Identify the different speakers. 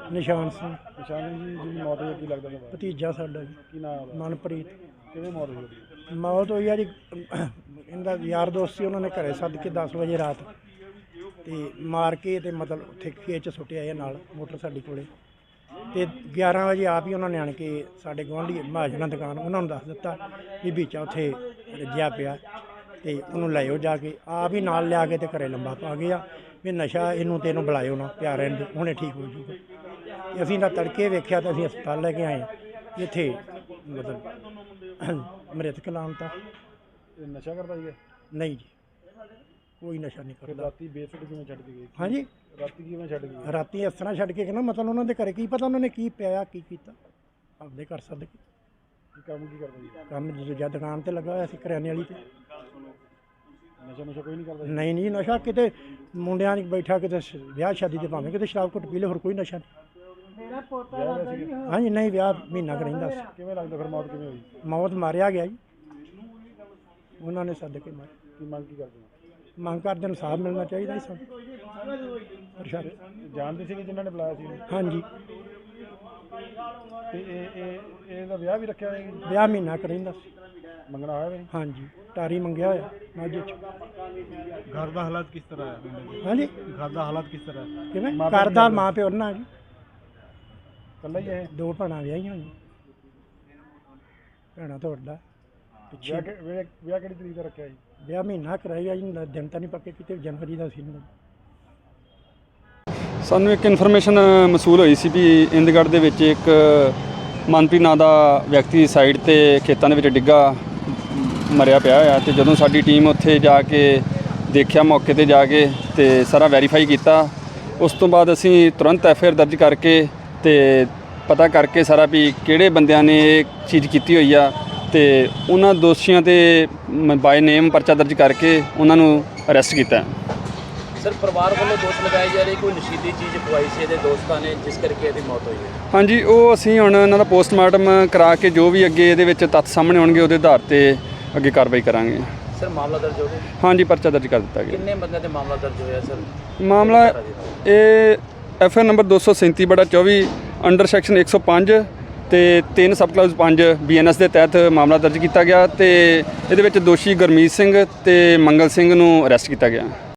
Speaker 1: ਨਿਸ਼ਾਨ ਸਿੰਘ
Speaker 2: ਨਿਸ਼ਾਨ ਜੀ ਜਿਹਦੀ ਮੌਤ ਹੋਈ ਕੀ ਲੱਗਦਾ ਤੁਹਾਨੂੰ?
Speaker 1: ਭਤੀਜਾ ਸਾਡਾ ਜੀ
Speaker 2: ਕੀ ਨਾਮ ਹੈ?
Speaker 1: ਮਨਪ੍ਰੀਤ।
Speaker 2: ਕਿਵੇਂ ਮੌਤ ਹੋਈ ਉਹਦੀ?
Speaker 1: ਮੌਤ ਹੋਈ ਆ ਜੀ ਇਹਦਾ ਯਾਰ ਦੋਸਤ ਸੀ, ਉਹਨਾਂ ਨੇ ਘਰੇ ਸੱਦ ਕੇ 10 ਵਜੇ ਰਾਤ ਤੇ ਮਾਰ ਕੇ ਤੇ ਮਤਲਬ ਉੱਥੇ ਖੇਤ 'ਚ ਸੁੱਟਿਆ ਇਹ ਨਾਲ ਮੋਟਰ ਸਾਡੀ ਕੋਲੇ ਤੇ 11 ਵਜੇ ਆਪ ਹੀ ਉਹਨਾਂ ਨੇ ਆਣ ਕੇ ਸਾਡੇ ਗੁਆਂਢੀ ਮਹਾਜਨਾਂ ਦੁਕਾਨ ਉਹਨਾਂ ਨੂੰ ਦੱਸ ਦਿੱਤਾ ਵੀ ਵੀਚਾ ਉੱਥੇ ਰੱਜਿਆ ਪਿਆ ਤੇ ਉਹਨੂੰ ਲਿਆਓ ਜਾ ਕੇ। ਆਪ ਹੀ ਨਾਲ ਲਿਆ ਕੇ ਤੇ ਘਰੇ ਲੰਬਾ ਪਾ ਗਿਆ ਵੀ ਨਸ਼ਾ ਇਹਨੂੰ ਤੇ ਇਹਨੂੰ ਬੁਲਾਇਓ ਨਾ, ਪਿਆ ਰਹਿਣ ਦਿਓ, ਹੁਣੇ ਠੀਕ ਹੋ ਜੂਗਾ। ਤੇ ਅਸੀਂ ਤਾਂ ਤੜਕੇ ਵੇਖਿਆ ਤਾਂ ਅਸੀਂ ਹਸਪਤਾਲ ਲੈ ਕੇ ਆਏ ਇੱਥੇ ਮਤਲਬ ਮ੍ਰਿਤਕ ਲਾਉਣ
Speaker 2: ਇਹ ਨਸ਼ਾ ਕਰਦਾ ਸੀਗਾ?
Speaker 1: ਨਹੀਂ ਜੀ, ਕੋਈ ਨਸ਼ਾ ਨਹੀਂ
Speaker 2: ਫਿਰ
Speaker 1: ਕਰਦਾ।
Speaker 2: ਰਾਤੀ ਬੇਸੁੱਧ ਕਿਵੇਂ ਛੱਡ ਕੇ ਗਏ?
Speaker 1: ਹਾਂਜੀ,
Speaker 2: ਰਾਤੀ ਕਿਵੇਂ ਛੱਡ ਕੇ ਗਏ?
Speaker 1: ਰਾਤੀ ਇਸ ਤਰ੍ਹਾਂ ਛੱਡ ਕੇ ਕਹਿੰਦਾ ਮਤਲਬ ਉਹਨਾਂ ਦੇ ਘਰੇ ਕੀ ਪਤਾ ਉਹਨਾਂ ਨੇ ਕੀ ਪਿਆ ਕੀ ਕੀਤਾ, ਆਪਦੇ ਘਰ ਸੱਦ ਕੇ।
Speaker 2: ਕੰਮ ਕੀ ਕਰਦਾ ਜੀ?
Speaker 1: ਕੰਮ ਦੂਜਾ ਦੁਕਾਨ ਤੇ ਲੱਗਾ ਹੋਇਆ ਸੀ ਕਰਿਆਨੇ ਵਾਲੀ ਤੇ।
Speaker 2: ਨਸ਼ਾ ਕੋਈ ਨਹੀਂ ਕਰਦਾ?
Speaker 1: ਨਹੀਂ ਨਹੀਂ, ਨਸ਼ਾ ਕਿਤੇ ਮੁੰਡਿਆਂ ਨੇ ਬੈਠਾ ਕਿਤੇ ਵਿਆਹ ਸ਼ਾਦੀ ਤੇ ਭਾਵੇਂ ਕਿਤੇ ਸ਼ਰਾਬ ਘੁੱਟ ਪੀ ਲੇ, ਹੋਰ ਕੋਈ ਨਸ਼ਾ ਨਹੀਂ। ਹਾਂਜੀ ਨਹੀਂ, ਵਿਆਹ ਮਹੀਨਾ ਕੁ ਰਹਿੰਦਾ ਸੀ।
Speaker 2: ਕਿਵੇਂ ਲੱਗਦਾ ਫਿਰ ਮੌਤ ਕਿਵੇਂ ਹੋਈ?
Speaker 1: ਮੌਤ ਮਾਰਿਆ ਗਿਆ ਜੀ, ਉਹਨਾਂ ਨੇ ਸੱਦ ਕੇ ਮਾਰਿਆ।
Speaker 2: ਕੀ ਮੰਗ ਕੀ ਕਰਦੇ ਹੋ?
Speaker 1: ਮੰਗ ਕਰਦੇ ਇਨਸਾਫ ਮਿਲਣਾ ਚਾਹੀਦਾ ਜੀ ਸਾਨੂੰ ਪ੍ਰਸ਼ਾਸਨ।
Speaker 2: ਜਾਣਦੇ ਸੀ ਕਿ ਜਿਨ੍ਹਾਂ ਨੇ ਬੁਲਾਇਆ ਸੀ?
Speaker 1: ਹਾਂਜੀ,
Speaker 2: ਤੇ ਇਹਦਾ ਵਿਆਹ ਵੀ ਰੱਖਿਆ ਹੋਇਆ?
Speaker 1: ਵਿਆਹ ਮਹੀਨਾ ਕੁ ਰਹਿੰਦਾ ਸੀ।
Speaker 2: ਮੰਗਣਾ ਹੋਇਆ ਵੇ?
Speaker 1: ਹਾਂਜੀ, ਟਾਰੀ ਮੰਗਿਆ ਹੋਇਆ ਮਾਝੇ 'ਚ।
Speaker 2: ਘਰ ਦਾ ਹਾਲਾਤ ਕਿਸ ਤਰ੍ਹਾਂ ਹੈ?
Speaker 1: ਹਾਂਜੀ,
Speaker 2: ਘਰ ਦਾ ਹਾਲਾਤ ਕਿਸ ਤਰ੍ਹਾਂ ਹੈ?
Speaker 1: ਕਿਵੇਂ ਕਰਦਾ ਮਾਂ ਪਿਓ ਨਾਲ ਜੀ,
Speaker 2: ਇਕੱਲਾ ਹੀ ਹੈ?
Speaker 1: 2 ਭੈਣਾਂ ਵਿਆਹੀਆਂ ਹੋਈਆਂ। ਭੈਣਾਂ ਤੋਂ ਵੱਡਾ ਪਿੱਛੇ
Speaker 2: ਵਿਆਹ ਕਿਹੜੀ ਤਰੀਕ ਦਾ ਰੱਖਿਆ ਜੀ?
Speaker 1: ਵਿਆਹ ਮਹੀਨਾ ਕਰਾਇਆ ਜੀ, ਦਿਨ ਤਾਂ ਨਹੀਂ ਪੱਕੇ ਕਿਤੇ, ਜਨਵਰੀ ਦਾ ਸੀ।
Speaker 3: ਸਾਨੂੰ ਇੱਕ ਇਨਫੋਰਮੇਸ਼ਨ ਮਸੂਲ ਹੋਈ ਸੀ ਵੀ ਇੰਦਗੜ੍ਹ ਦੇ ਵਿੱਚ ਇੱਕ ਮਨਪ੍ਰੀਤ ਨਾਂ ਦਾ ਵਿਅਕਤੀ ਸਾਈਡ ਤੇ ਖੇਤਾਂ ਦੇ ਵਿੱਚ ਡਿੱਗਾ ਮਰਿਆ ਪਿਆ ਹੋਇਆ। ਤੇ ਜਦੋਂ ਸਾਡੀ ਟੀਮ ਉੱਥੇ ਜਾ ਕੇ ਦੇਖਿਆ, ਮੌਕੇ ਤੇ ਜਾ ਕੇ ਤੇ ਸਾਰਾ ਵੈਰੀਫਾਈ ਕੀਤਾ, ਉਸ ਤੋਂ ਬਾਅਦ ਅਸੀਂ ਤੁਰੰਤ ਐਫਆਈਆਰ ਦਰਜ ਕਰਕੇ ਤੇ ਪਤਾ ਕਰਕੇ ਸਾਰਾ ਵੀ ਕਿਹੜੇ ਬੰਦਿਆਂ ਨੇ ਇਹ ਚੀਜ਼ ਕੀਤੀ ਹੋਈ ਆ ਤੇ ਉਹਨਾਂ ਦੋਸ਼ੀਆਂ ਤੇ ਬਾਈ ਨੇਮ ਪਰਚਾ ਦਰਜ ਕਰਕੇ ਉਹਨਾਂ ਨੂੰ ਅਰੈਸਟ ਕੀਤਾ।
Speaker 4: ਸਰ, ਪਰਿਵਾਰ ਵੱਲੋਂ ਦੋਸ਼ ਲਗਾਏ ਜਾ ਰਹੇ ਕੋਈ ਨਸ਼ੀਲੀ ਚੀਜ਼ ਖਵਾਈ ਸੀ ਇਹਦੇ ਦੋਸਤਾਂ ਨੇ, ਜਿਸ ਕਰਕੇ ਇਹਦੀ ਮੌਤ ਹੋਈ ਹੈ।
Speaker 3: ਹਾਂਜੀ, ਉਹ ਅਸੀਂ ਹੁਣ ਇਹਨਾਂ ਦਾ ਪੋਸਟਮਾਰਟਮ ਕਰਾ ਕੇ ਜੋ ਵੀ ਅੱਗੇ ਇਹਦੇ ਵਿੱਚ ਤੱਥ ਸਾਹਮਣੇ ਆਉਣਗੇ ਉਹਦੇ ਆਧਾਰ ਤੇ ਅੱਗੇ ਕਾਰਵਾਈ ਕਰਾਂਗੇ।
Speaker 4: ਸਰ, ਮਾਮਲਾ ਦਰਜ ਹੋ ਗਿਆ?
Speaker 3: ਹਾਂਜੀ, ਪਰਚਾ ਦਰਜ ਕਰ ਦਿੱਤਾ ਗਿਆ।
Speaker 4: ਕਿੰਨੇ ਬੰਦਿਆਂ ਤੇ ਮਾਮਲਾ ਦਰਜ ਹੋਇਆ ਸਰ?
Speaker 3: ਮਾਮਲਾ ਇਹ ਐਫਆਈਆਰ ਨੰਬਰ 237/24 ਅੰਡਰ ਸੈਕਸ਼ਨ 105 ਤੇ 3 ਸਬ ਕਲਾਸ 5 ਬੀਐਨਐਸ ਦੇ ਤਹਿਤ ਮਾਮਲਾ ਦਰਜ ਕੀਤਾ ਗਿਆ ਤੇ ਇਹਦੇ ਵਿੱਚ ਦੋਸ਼ੀ ਗੁਰਮੀਤ ਸਿੰਘ ਤੇ ਮੰਗਲ ਸਿੰਘ ਨੂੰ ਅਰੈਸਟ ਕੀਤਾ ਗਿਆ।